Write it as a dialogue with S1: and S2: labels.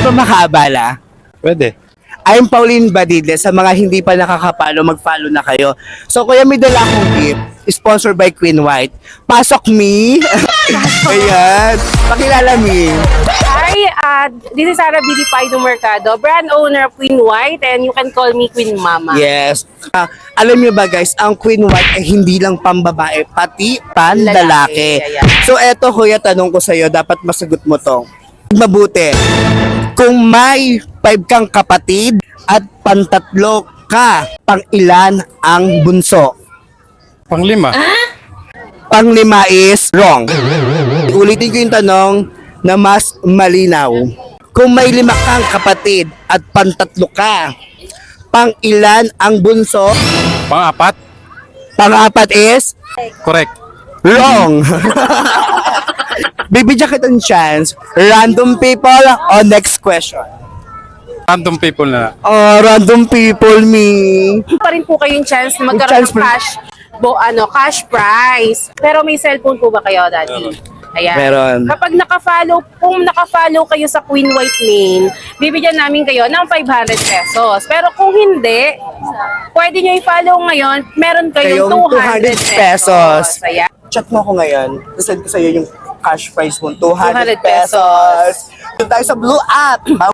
S1: ba makaabala?
S2: Pwede.
S1: I'm Pauline Badide. Sa mga hindi pa nakakapalo, mag-follow na kayo. So, kuya, may dala akong gift. Sponsored by Queen White. Pasok me! Ayan. Pakilala me.
S3: Hi, this is Sarah Billy Paido Mercado, brand owner of Queen White, and you can call me Queen Mama.
S1: Yes. Alam niyo ba guys, ang Queen White ay hindi lang pambabae, pati panlalaki.
S3: Lalaki, ayan.
S1: So eto kuya, tanong ko sa'yo, dapat masagot mo to. Mabuti. Kung may 5 kang kapatid at pantatlo ka, pang ilan ang bunso?
S2: Panglima.
S1: Panglima is wrong. Ulitin ko yung tanong na mas malinaw. Kung may 5 kang kapatid at pantatlo ka, pang ilan ang bunso?
S2: Pang-apat.
S1: Pang-apat is
S2: Correct.
S1: wrong. Bibigyan kita ng chance. Random people o next question?
S2: Random people na.
S1: Oh, random people me.
S3: Pa rin po kayong chance na
S1: Chance
S3: magkaroon ng
S1: pa-
S3: cash prize. Pero may cellphone po ba kayo, Daddy? Ayan.
S1: Meron.
S3: Kapag kung nakafollow kayo sa Queen White name, bibigyan namin kayo ng 500 pesos. Pero kung hindi, pwede nyo i-follow ngayon, meron kayong 200 pesos. Ayan.
S1: Chat mo ako ngayon. Send ko sa'yo yung cash price mo. 200
S3: 200
S1: pesos. Doon tayo sa Blue App.